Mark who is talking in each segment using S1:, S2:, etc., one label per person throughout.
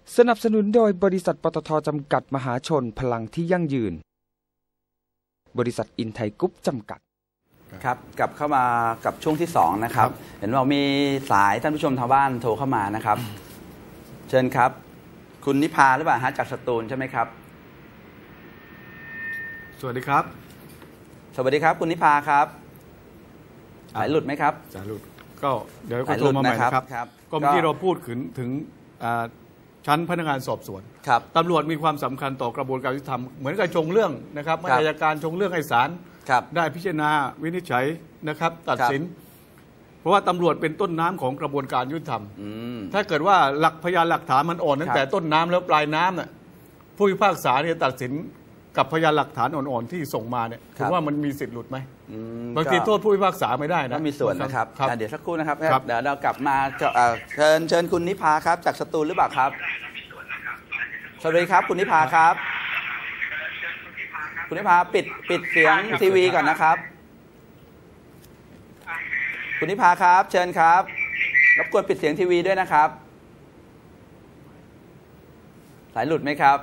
S1: สนับสนุนโดยบริษัทปตท.จำกัดมหาชนพลังที่ยั่งยืนบริษัทอินไทยกรุ๊ปจำกัด
S2: ครับกลับเข้ามากับช่วงที่2นะครับเห็นว่ามีสายท่านผู้ชมทางบ้านโทรเข้ามานะครับเชิญครับคุณนิพาหรือเปล่าฮะจากสตูลใช่ไหมครับ
S3: สวัสดีครับ
S2: สวัสดีครับคุณนิพาครับสายหลุดไหมครับ
S3: สายหลุดก็เดี๋ยวก็โทรมาใหม่นะครับก็เมื่อกี้เราพูดถึงชั้นพนักงานสอบสวนตำรวจมีความสำคัญต่อกระบวนการยุติธรรมเหมือนกับชงเรื่องนะครับอัยการชงเรื่องให้ศาลได้พิจารณาวินิจฉัยนะครับตัดสินเพราะว่าตำรวจเป็นต้นน้ำของกระบวนการยุติธรรมถ้าเกิดว่าหลักพยานหลักฐานมันอ่อนตั้งแต่ต้นน้ำแล้วปลายน้ำน่ะผู้พิพากษาเนี่ยตัดสินกับพยานหลักฐานอ่อนๆที่ส่งมาเนี่ยถือว่ามันมีสิทธิ์หลุดไหมบางทีโทษผู้พิพากษาไม่ได้นะ
S2: มีส่วนนะครับเดี๋ยวสักครู่นะครับเดี๋ยวเรากลับมาเชิญคุณนิพาครับจากสตูลหรือเปล่าครับสวัสดีครับคุณนิพาครับคุณนิพาปิดเสียงทีวีก่อนนะครับคุณนิพาครับเชิญครับรบกวนปิดเสียงทีวีด้วยนะครับสายหลุดไหมครับ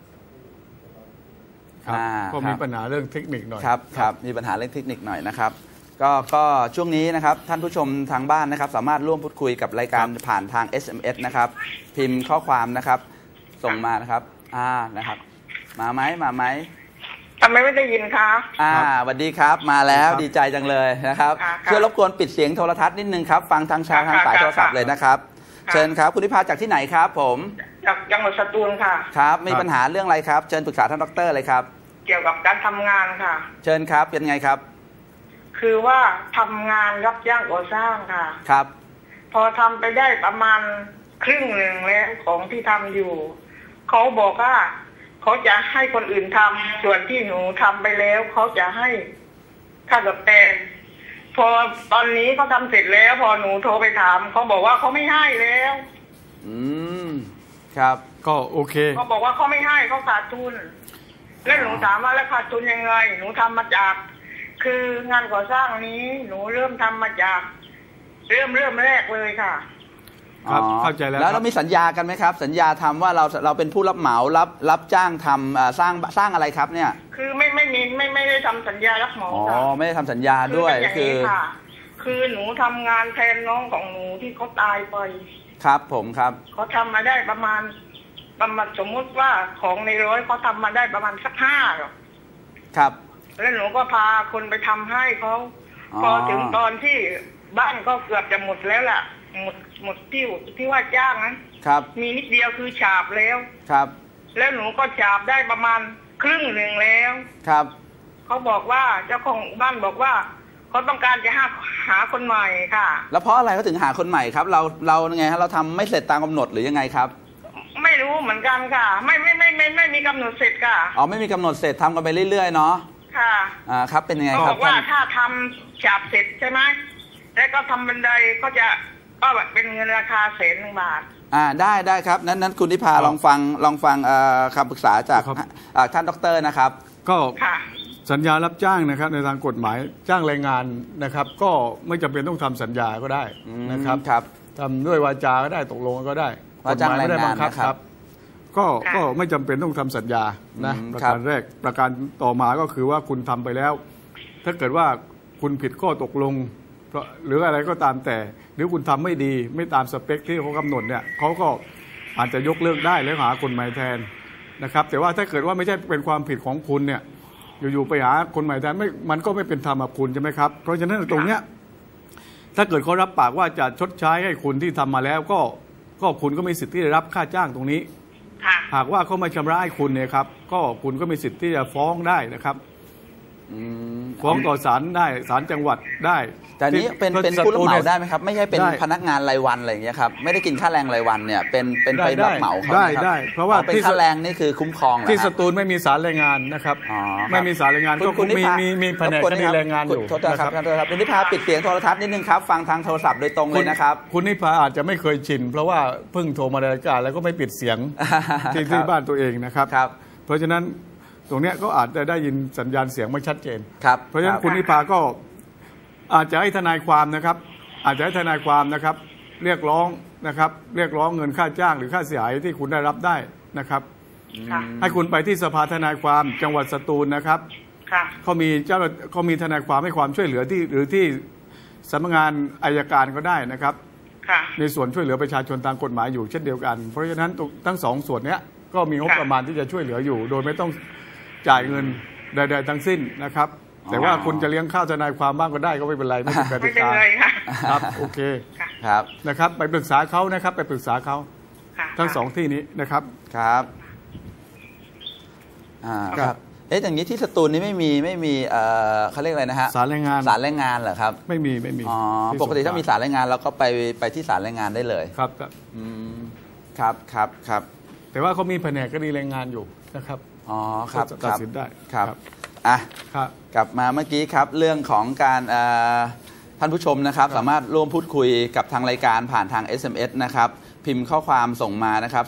S3: ก็มีปัญหาเรื่องเทคนิคหน่อย
S2: ครับมีปัญหาเรื่องเทคนิคหน่อยนะครับก็ช่วงนี้นะครับท่านผู้ชมทางบ้านนะครับสามารถร่วมพูดคุยกับรายการผ่านทาง SMS นะครับพิมพ์ข้อความนะครับส่งมานะครับนะครับมาไหม
S4: ทำไมไม่ได้ยินคะ
S2: สวัสดีครับมาแล้วดีใจจังเลยนะครับช่วยรบกวนปิดเสียงโทรทัศน์นิดนึงครับฟังทางสายโทรศัพท์เลยนะครับเชิญครับคุณนิพาจากที่ไหนครับผม
S4: จากจังหวัดสตูลค่ะ
S2: ครับมีปัญหาเรื่องอะไรครับเชิญปรึกษาท่านดร.เลยครับ
S4: เกี่ยวกับการทำงานค่ะ
S2: เชิญครับเป็นไงครับ
S4: คือว่าทำงานรับจ้างก่อสร้างค่ะ
S2: ครับ
S4: พอทำไปได้ประมาณครึ่งหนึ่งแล้วของที่ทำอยู่เขาบอกว่าเขาจะให้คนอื่นทำส่วนที่หนูทำไปแล้วเขาจะให้ค่าตอบแทนพอตอนนี้เขาทำเสร็จแล้วพอหนูโทรไปถามเขาบอกว่าเขาไม่ให้แล้ว
S2: ครับ
S3: ก็โอเค
S4: เขาบอกว่าเขาไม่ให้เขาขาดทุนแล้วหนูถามว่าแล้วขาดทุนยังไงหนูทำมาจากคืองานก่อสร้างนี้หนูเริ่มทำมาจากเริ่มแรกเลยค่ะ
S3: ครับเข้าใจแล้ว
S2: เรามีสัญญากันไหมครับสัญญาทำว่าเราเป็นผู้รับเหมารับจ้างทำสร้างอะไรครับเนี่ย
S4: คือไม่ได้ทำสัญญารับเหมา
S2: ค่ะไม่ได้ทำสัญญาด้วย
S4: คือหนูทำงานแทนน้องของหนูที่เขาตายไป
S2: ครับผมครับ
S4: เขาทำมาได้ประมาณสมมุติว่าของในร้อยเขาทำมาได้ประมาณสัก5หรอก
S2: ครับ
S4: แล้วหนูก็พาคนไปทำให้เขาพอถึงตอนที่บ้านก็เกือบจะหมดแล้วล่ะหมดที่ว่าจ้างนั้น
S2: ครับ
S4: มีนิดเดียวคือฉาบแล้ว
S2: ครับ
S4: แล้วหนูก็ฉาบได้ประมาณครึ่งหนึ่งแล้ว
S2: ครับ
S4: เขาบอกว่าเจ้าของบ้านบอกว่าเขาต้องการจะหาคนใหม่ค่ะ
S2: แล้วเพราะอะไรเขาถึงหาคนใหม่ครับเราไงฮะเราทำไม่เสร็จตามกำหนดหรือยังไงครับ
S4: ไม่รู้เหมือนกันค่ะไม่มีกำหนดเสร็จค่ะ
S2: ไม่มีกำหนดเสร็จทำกันไปเรื่อยๆเนาะ
S4: ค่ะ
S2: ครับเป็นยังไงครับ
S4: บอกว่าถ้าทำฉาบเสร็จใช่ไหมแล้วก็ทำบันไดก็แบบเป็นเงินราคา100,000 บาท
S2: ได้ครับนั้นคุณนิพาลองฟังคำปรึกษาจากท่านดร.นะครับ
S3: ก็สัญญารับจ้างนะครับในทางกฎหมายจ้างแรงงานนะครับก็ไม่จำเป็นต้องทำสัญญาก็ได้นะครับทำด้วยวาจาก็ได้ตกลงก็ได้
S2: กฎหมายไม่ได้บังคับ
S3: ครับก็ไม่จำเป็นต้องทำสัญญานะประการแรกประการต่อมาก็คือว่าคุณทำไปแล้วถ้าเกิดว่าคุณผิดข้อตกลงหรืออะไรก็ตามแต่หรือคุณทำไม่ดีไม่ตามสเปคที่เขากำหนดเนี่ยเขาก็อาจจะยกเลิกได้แล้วหาคนใหม่แทนนะครับแต่ว่าถ้าเกิดว่าไม่ใช่เป็นความผิดของคุณเนี่ยอยู่ๆไปหาคนใหม่แทนมันก็ไม่เป็นธรรมกับคุณใช่ไหมครับเพราะฉะนั้นตรงเนี้ยถ้าเกิดเขารับปากว่าจะชดใช้ให้คุณที่ทำมาแล้วก็คุณก็มีสิทธิ์ที่จะรับค่าจ้างตรงนี้หากว่าเขามาชำระให้คุณเนี่ยครับก็คุณก็มีสิทธิ์ที่จะฟ้องได้นะครับฟ้องต่อศาลได้ศาลจังหวัดได้
S2: แต่นี้เป็นผู้รับเหมาได้ไหมครับไม่ใช่เป็นพนักงานรายวันอะไรอย่างเงี้ยครับไม่ได้กินค่าแรงรายวันเนี่ยเป็นไปรับเหมาเขา
S3: ได้เพราะว่า
S2: เป็นค่าแรงนี่คือคุ้มครอง
S3: ที่สตูลไม่มีศาลแรงงานนะครับไม่มีศาลแรงงานก็มีแผนกคดีแรงงานอยู่
S2: โทษครับคุณนิพาปิดเสียงโทรทัศน์นิดนึงครับฟังทางโทรศัพท์โดยตรงเลยนะครับ
S3: คุณนิพาอาจจะไม่เคยชินเพราะว่าเพิ่งโทรมารายการแล้วก็ไม่ปิดเสียงที่บ้านตัวเองนะครับเพราะฉะนั้นตรงนี้ก็อาจจะได้ยินสัญญาณเสียงไม่ชัดเจนเพราะฉะนั้นคุณนิพาก็อาจจะให้ทนายความนะครับเรียกร้องนะครับเรียกร้องเงินค่าจ้างหรือค่าเสียหายที่คุณได้รับได้นะครับ
S4: ค่ะ
S3: ให้คุณไปที่สภาทนายความจังหวัดสตูลนะครับ
S4: ค่ะ
S3: เขามีทนายความให้ความช่วยเหลือที่หรือที่สำนักงานอัยการก็ได้นะครับ
S4: ค่ะ
S3: ในส่วนช่วยเหลือประชาชนตามกฎหมายอยู่เช่นเดียวกันเพราะฉะนั้นทั้งสองส่วนนี้ก็มีงบประมาณที่จะช่วยเหลืออยู่ โดยไม่ต้องจ่ายเงินใดๆทั้งสิ้นนะครับแต่ว่าคุณจะเลี้ยงข้าวทนายความบ้างก็ได้ก็ไม่เป็นไรไม่เป็นก
S4: ไม่
S3: ติ
S4: เป็น
S3: กา
S4: ไรค่ะ
S3: ครับโอเค
S2: ครับ
S3: นะครับไปปรึกษาเขานะครับไปปรึกษาเขา
S4: ค่ะ
S3: ทั้งสองที่นี้นะครับ
S2: ครับครับ อย่างนี้ที่สตูลนี้ไม่มีเขาเรียกอะไรนะฮะ
S3: ศาลแรงงาน
S2: ศาลแรงงานเหรอครับ
S3: ไม่มี
S2: อ๋อ
S3: ที่
S2: ปกติถ้ามี
S3: สงขล
S2: ศาลแรงงานเราก็ไปที่ศาลแรงงานได้เลย
S3: ครับ
S2: อืมครับครับครับ
S3: แต่ว่าเขามีแผนกคดีแรงงานอยู่นะครับ
S2: อ๋อครับ
S3: ตัดสินได้
S2: ครับอ่ะ
S3: ครับ
S2: กลับมาเมื่อกี้ครับเรื่องของการท่านผู้ชมนะครับสามารถร่วมพูดคุยกับทางรายการผ่านทาง SMS นะครับพิมพ์ข้อความส่งมานะครับ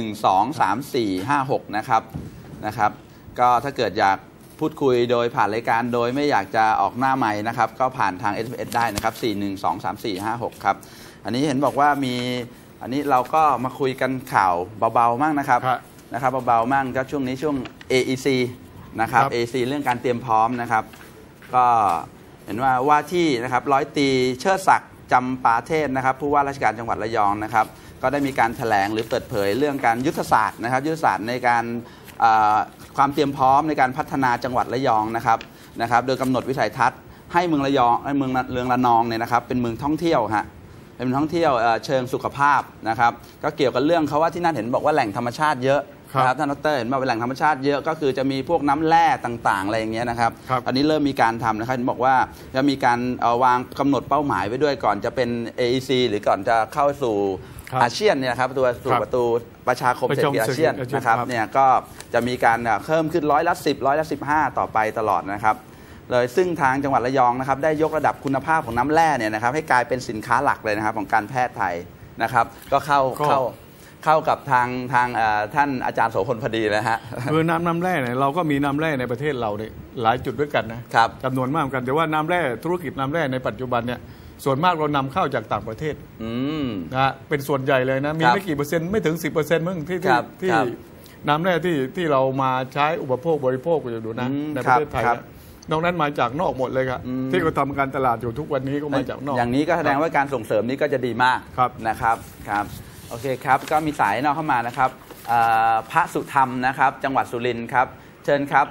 S2: 4123456นะครับก็ถ้าเกิดอยากพูดคุยโดยผ่านรายการโดยไม่อยากจะออกหน้าใหม่นะครับก็ผ่านทาง SMS ได้นะครับ4123456ครับอันนี้เห็นบอกว่ามีอันนี้เราก็มาคุยกันข่าวเบาๆมั่งนะครับเบาๆมั่งก็ช่วงนี้ช่วง AEC นะครับ AEC เรื่องการเตรียมพร้อมนะครับก็เห็นว่าที่นะครับร้อยตรีเชิดศักดิ์จำปาเทศนะครับผู้ว่าราชการจังหวัดระยองนะครับก็ได้มีการแถลงหรือเปิดเผยเรื่องการยุทธศาสตร์นะครับยุทธศาสตร์ในการความเตรียมพร้อมในการพัฒนาจังหวัดระยองนะครับโดยกำหนดวิสัยทัศน์ให้เมืองระยองเมืองระนองเนี่ยนะครับเป็นเมืองท่องเที่ยวฮะเป็นเมืองท่องเที่ยวเชิงสุขภาพนะครับก็เกี่ยวกับเรื่องเขาว่าที่นั่นเห็นบอกว่าแหล่งธรรมชาติเยอะนะครับท่านดร.เห็นว่าเป็นแหล่งธรรมชาติเยอะก็คือจะมีพวกน้ำแร่ต่างๆอะไรอย่างเงี้ยนะครับอันนี้เริ่มมีการทำนะครับบอกว่าจะมีการวางกำหนดเป้าหมายไว้ด้วยก่อนจะเป็น AEC หรือก่อนจะเข้าสู่อาเซียนเนี่ยครับประตูประชาคมเศรษฐกิจอาเซียนนะครับเนี่ยก็จะมีการเพิ่มขึ้น10%, 15%ต่อไปตลอดนะครับเลยซึ่งทางจังหวัดระยองนะครับได้ยกระดับคุณภาพของน้ำแร่เนี่ยนะครับให้กลายเป็นสินค้าหลักเลยนะครับของการแพทย์ไทยนะครับก็เข้ากับทางท่านอาจารย์โสพลพอดีนะฮะ
S3: คือน้ำแร่เนี่ยเราก็มีน้ำแร่ในประเทศเราเนี่ยหลายจุดด้วยกันนะครับจำนวนมากกันแต่ว่าน้ำแร่ธุรกิจน้ำแร่ในปัจจุบันเนี่ยส่วนมากเรานำเข้าจากต่างประเทศนะเป็นส่วนใหญ่เลยนะมีไม่กี่เปอร์เซ็นต์ไม่ถึง 10% มึงที่น้ำแร่ที่เรามาใช้อุปโภคบริโภคอยู่นะในประเทศไทยนอกนั้นมาจากนอกหมดเลยครับที่เราทำการตลาดอยู่ทุกวันนี้ก็มาจากนอก
S2: อย่างนี้ก็แสดงว่าการส่งเสริมนี้ก็จะดีมากนะครับโอเคครับก็มีสายนอกเข้ามานะครับพระสุธรรมนะครับจังหวัดสุรินทร์ครับเชิญครับ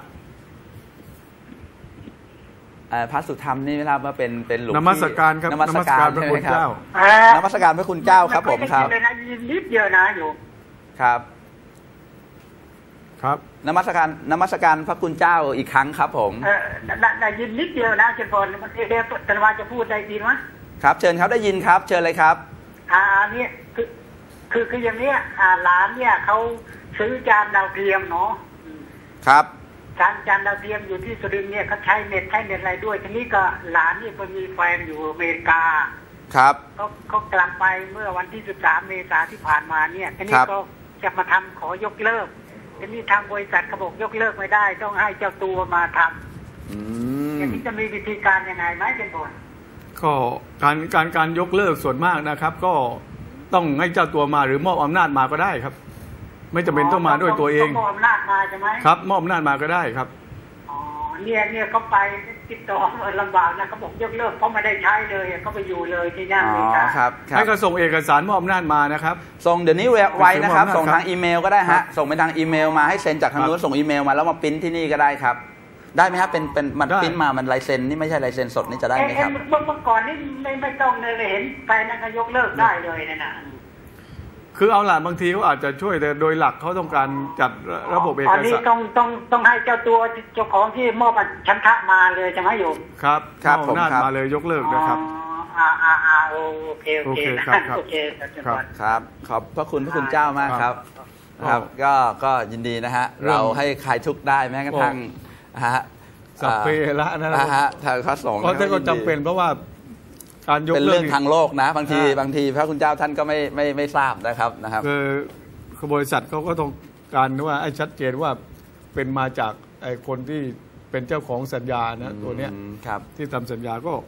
S2: พระสุธรรมนี่ไม่ทราบว่าเป็นหลวงพี่
S3: นมัสการครับนมัสการพระคุณเจ้าน
S2: มัสการพระคุณเจ้าครับผมครับ
S4: นิดเดียวนะอยู่
S2: ครับนมัสการพระคุณเจ้าอีกครั้งครับผม
S4: ได้ยินนิดเดียวนะเชิญพรเดี๋ยวแต่ว่าจะพูดได้ดีไหม
S2: ครับเชิญครับได้ยินครับเชิญเลยครับ
S4: นี่คืออย่างนี้หลานเนี่ยเขาซื้อจานดาวเทียมเนาะ
S2: ครับ
S4: จานดาวเทียมอยู่ที่สุรินทร์เนี่ยเขาใช้เน็ตอะไรด้วยทีนี้ก็หลานนี่ไปมีแฟนอยู่อเมริกา
S2: ครับ
S4: เขากลับไปเมื่อวันที่13 เมษายนที่ผ่านมาเนี่ยทีนี้ก็จะมาทำขอยกเลิกทีนี้ทางบริษัทเขาบอกยกเลิกไม่ได้ต้องให้เจ้าตัวมาทำทีนี้จะมีวิธีการยังไงไหมเป็นผล
S3: ก็การยกเลิกส่วนมากนะครับก็ต้องให้เจ้าตัวมาหรือมอบอำนาจมาก็ได้ครับไม่จำเป็นต้องมาด้วยตัวเอง
S4: มอบอำนาจมาใช่ไหม
S3: ครับมอบอำนาจมาก็ได้ครับ
S4: เนี่ยเขาไปติดต่อลำบากนะเขาบอกยกเลิกเพราะไม่ได้ใช้เลยเขาไปอยู่เลยที่นั่นเลย
S2: ครับ
S3: ให้เขาส่งเอกสารมอบอำนาจมานะครับ
S2: ส่งเดี๋ยวนี้ไวนะครับส่งทางอีเมลก็ได้ฮะส่งไปทางอีเมลมาให้เซ็นจากทางนู้นส่งอีเมลมาแล้วมาปริ้นที่นี่ก็ได้ครับได้ไหมครับเป็นมันปริ้นมามันลายเซ็นนี่ไม่ใช่ลายเซ็นสดนี่จะได้ไหมครับ
S4: เมื่อก่อนนี่ไม่ต้องเลยเห็นไปนั่นก็ยกเลิกได้เลยนะ
S3: คือเอาล่ะบางทีเขาอาจจะช่วยแต่โดยหลักเขาต้องการจัดระบบเอกสาร
S4: นี่ต้องให้เจ้าตัวเจ้าของที่มอบชันทะมาเลยจะไหมโยม
S3: ครับมอบหน้ามาเลยยกเลิกนะครับ
S4: โอเค
S2: ครับขอบพระคุณพระคุณเจ้ามากครับก็ยินดีนะฮะเราให้คลายทุกข์ได้แม้กระทั่ง
S3: สัพเพละนะ
S2: ฮะทางพระสงฆ์
S3: เพราะก็จำเป็นเพราะว่าการยก
S2: เลิกเป็นเรื่องทางโลกนะบางทีพระคุณเจ้าท่านก็ไม่ทราบนะครับ
S3: คือบริษัทเขาก็ต้องการว่าให้ชัดเจนว่าเป็นมาจากไอ้คนที่เป็นเจ้าของสัญญานะตัวเนี้ยที่ทำสัญญาก็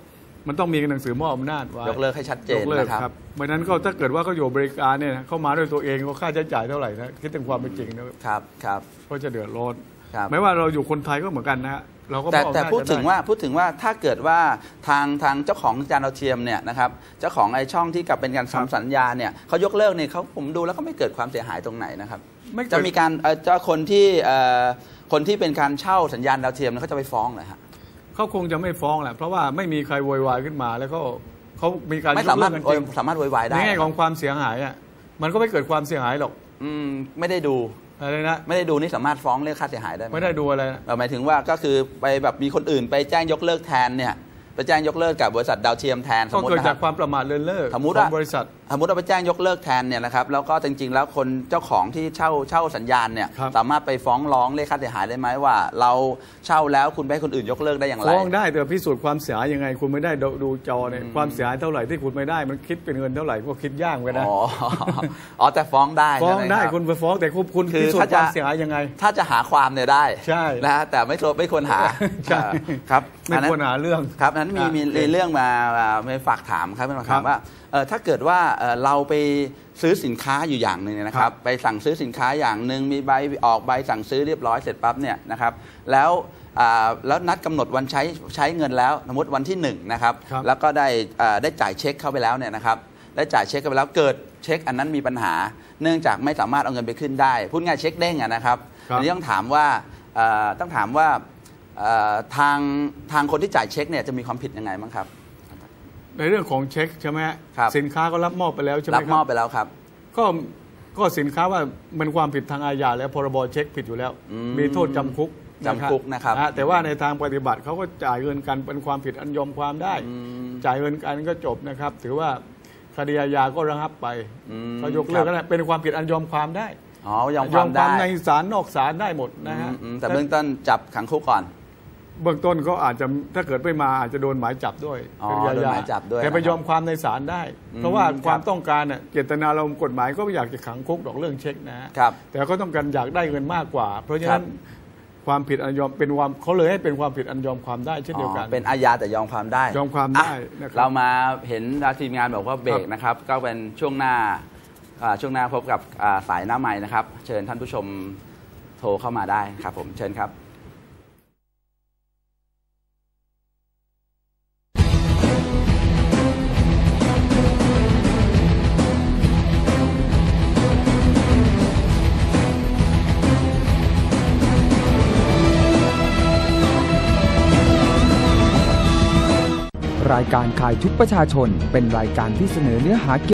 S3: มันต้องมีหนังสือมอบอำนาจไว้
S2: ยกเลิกให้ชัดเจนนะครับ
S3: เพราะนั้นก็ถ้าเกิดว่าเขาอยู่บริการเนี่ยเข้ามาด้วยตัวเองก็ค่าใช้จ่ายเท่าไหร่นะคิดถึงความเป็นจริงนะครับก็จะเดือดร้อนไม่ว่าเราอยู่คนไทยก็เหมือนกันนะเราก็
S2: แต่พูดถึงว่าถ้าเกิดว่าทางเจ้าของจานดาวเทียมเนี่ยนะครับเจ้าของไอ้ช่องที่กับเป็นการทำสัญญาเนี่ยเขายกเลิกเนี่ยเขาผมดูแล้วก็ไม่เกิดความเสียหายตรงไหนนะครับจะมีการเจ้าคนที่เป็นการเช่าสัญญาณดาวเทียมเขาจะไปฟ้องเหรอฮะ
S3: เขาคงจะไม่ฟ้องแหละเพราะว่าไม่มีใครโวยวายขึ้นมาแล้วก็เขามีการ
S2: ไม่สามารถโวยวายได้
S3: ในแง่ของความเสียหายอ่ะมันก็ไม่เกิดความเสียหายหรอก
S2: ไม่ได้ดู
S3: อะไรนะ
S2: ไม่ได้ดูนี่สามารถฟ้องเรียกค่าเสียหายได้
S3: ไม่ได้ดูอะไร
S2: หมายถึงว่าก็คือไปแบบมีคนอื่นไปแจ้งยกเลิกแทนเนี่ยไปแจ้งยกเลิกกับบริษัทดาวเทียมแทน
S3: สมมติเกิดจากความประมาทเลินเล่อของบริษัท
S2: สมมติเราไปแจ้งยกเลิกแทนเนี่ยนะครับแล้วก็จริงๆแล้วคนเจ้าของที่เช่าสัญญาณเนี่ยสามารถไปฟ้องร้องเรียกค่าเสียหายได้ไหมว่าเราเช่าแล้วคุณไปให้คนอื่นยกเลิกได้อย่างไร
S3: ฟ้องได้แต่พิสูจน์ความเสียหายยังไงคุณไม่ได้ดูจอเนี่ยความเสียหายเท่าไหร่ที่คุณไม่ได้มันคิดเป็นเงินเท่าไหร่ก็คิดยากไปนะ
S2: แต่ฟ้องได้
S3: คุณไปฟ้องแต่คุณพิสูจน์ความเสียหายยังไง
S2: ถ้าจะหาความเนี่ยได้
S3: ใช่
S2: นะแต่ไม่ควรหาครับ
S3: ไม่ควรหาเรื่อง
S2: ครับนั้นมีเรื่องมาฝากถามครับเป็นคำถามว่าถ้าเกิดว่าเราไปซื้อสินค้าอยู่อย่างหนึ่งนะครับไปสั่งซื้อสินค้าอย่างหนึ่งมีใบออกใบสั่งซื้อเรียบร้อยเสร็จปั๊บเนี่ยนะครับแล้วนัดกำหนดวันใช้เงินแล้วสมมติวันที่1นะครับแล้วก็ได้จ่ายเช็คเข้าไปแล้วเนี่ยนะครับได้จ่ายเช็คเข้าไปแล้วเกิดเช็คอันนั้นมีปัญหาเนื่องจากไม่สามารถเอาเงินไปขึ้นได้พูดง่ายเช็คเด้งนะครับอันนี้ต้องถามว่าทางคนที่จ่ายเช็คเนี่ยจะมีความผิดยังไงบ้างครับ
S3: ในเรื่องของเช็คใช่ไหมสินค้าก็รับมอบไปแล้วใช่ไหมครับ
S2: รับมอบไปแล้วครับ
S3: ก็สินค้าว่ามันความผิดทางอาญาแล้วพรบเช็คผิดอยู่แล้วมีโทษจำคุก
S2: นะครับ
S3: แต่ว่าในทางปฏิบัติเขาก็จ่ายเงินกันเป็นความผิดอันยอมความได้จ่ายเงินกันก็จบนะครับถือว่าคดีอาญาก็ระงับไปเขายกเลิกแล้วเป็นความผิดอันยอมความได้
S2: ยอมความ
S3: ในศาลนอกศาลได้หมดนะฮะ
S2: แต่เบื้องต้นจับขังคุกก่อน
S3: เบื้องต้นก็อาจจะถ้าเกิดไม่มาอาจจะโดนหมายจับด้วย
S2: โดนหมายจับด้วย
S3: แต่ไปยอมความในศาลได้เพราะว่าความต้องการเนี่ยเจตนารมณ์กฎหมายก็ไม่อยากจะขังคุกดอกเรื่องเช็คนะครับแต่ก็ต้องการอยากได้เงินมากกว่าเพราะฉะนั้นความผิดอันยอมเป็นความเขาเลยให้เป็นความผิดอันยอมความได้เช่นเดียวกัน
S2: เป็นอาญาแต่ยอมความได้
S3: ยอมความได้
S2: เรามาเห็นทีมงานบอกว่าเบรกนะครับก็เป็นช่วงหน้าพบกับสายหน้าไมค์นะครับเชิญท่านผู้ชมโทรเข้ามาได้ครับผมเชิญครับ
S1: รายการข่ายทุกประชาชนเป็นรายการที่เสนอเนื้อหา